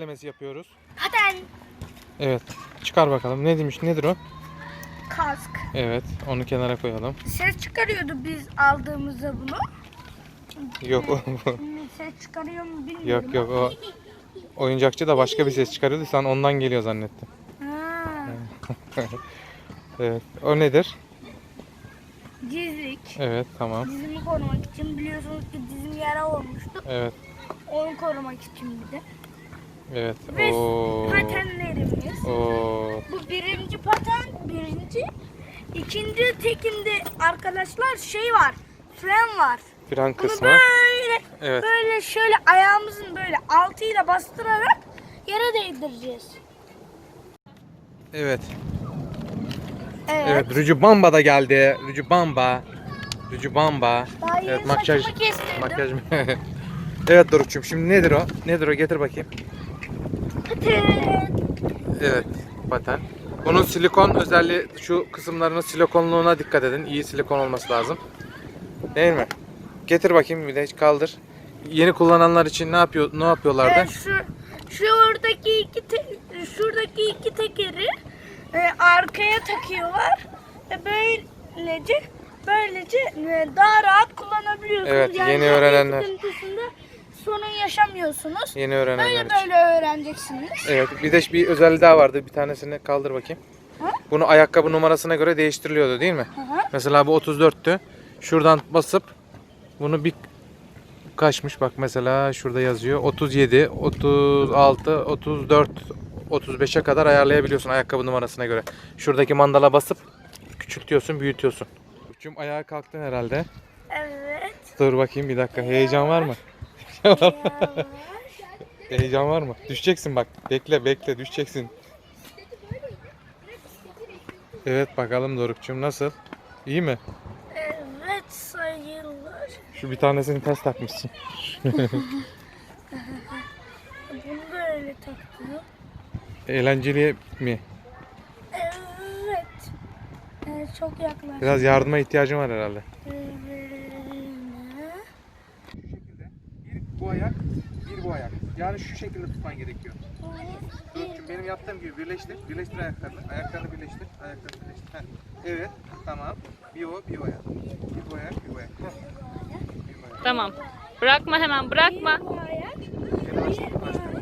incelemesi yapıyoruz. Paten. Evet. Çıkar bakalım. Ne demiş? Nedir o? Kask. Evet. Onu kenara koyalım. Ses çıkarıyordu biz aldığımızda bunu. Yok o. Şimdi ses çıkarıyor mu bilmiyorum. Yok yok o. Oyuncakçı da başka bir ses çıkarıyordu. Sen ondan geliyor zannettin. Ha. Evet. O nedir? Dizlik. Evet tamam. Dizimi korumak için, biliyorsunuz ki dizim yara olmuştu. Evet. Onu korumak için bir de. Evet. Ve Oo. patenlerimiz. Oo. Bu birinci paten, birinci. İkinci tekinde arkadaşlar şey var, fren var. Fren Bunu kısmı. böyle, Evet. böyle şöyle ayağımızın böyle altıyla bastırarak yere değdireceğiz. Evet. Evet. Evet. Rücubamba da geldi. Rücubamba. Rücubamba. Daha yeni Evet makyaj. saçımı kestirdim. Makyaj. Evet Doruk'cum şimdi nedir o? Nedir o? Getir bakayım. Paten. Evet. Paten. Bunun silikon özelliği, şu kısımlarının silikonluğuna dikkat edin. İyi silikon olması lazım. Değil mi? Getir bakayım bir de kaldır. Yeni kullananlar için ne yapıyorlardı? Evet, şuradaki iki tekeri arkaya takıyorlar ve böylece daha rahat kullanabiliyorsunuz. Evet, yani yeni öğrenenler. sıkıntısında sorun yaşamıyorsunuz. Yeni öğrenenler için. Böyle öğreneceksiniz. Evet, bir de bir özelliği daha vardı. Bir tanesini kaldır bakayım. Ha? Bunu ayakkabı numarasına göre değiştiriliyordu değil mi? Hı hı. Mesela bu 34'tü. Şuradan basıp bunu bir kaçmış bak mesela şurada yazıyor. 37, 36, 34, 35'e kadar ayarlayabiliyorsun ayakkabı numarasına göre. Şuradaki mandala basıp küçültüyorsun, büyütüyorsun. Uçum ayağa kalktın herhalde. Evet. Dur bakayım bir dakika. Heyecan var mı? Heyecan var mı? Düşeceksin bak. Bekle düşeceksin. Evet bakalım Doruk'cum nasıl? İyi mi? Evet sayılır. Şu bir tanesini ters takmışsın. Bunu da öyle takıyor. Eğlenceli mi? Evet. Çok yaklaşık. Biraz yardıma ihtiyacım var herhalde. Şu şekilde bir bu ayak, bir bu ayak. Yani şu şekilde tutman gerekiyor. Doruk'cum benim yaptığım gibi birleştir. Birleştir ayaklarını. Ayaklarını birleştir. Ayaklarını birleştir. Heh. Evet. Tamam. Bir o, bir o ayak. Bir bu ayak, bir bu ayak. Heh. Bir bu ayak. Tamam. Bırakma hemen bırakma. Bu ayak. Yavaşla, yavaşla.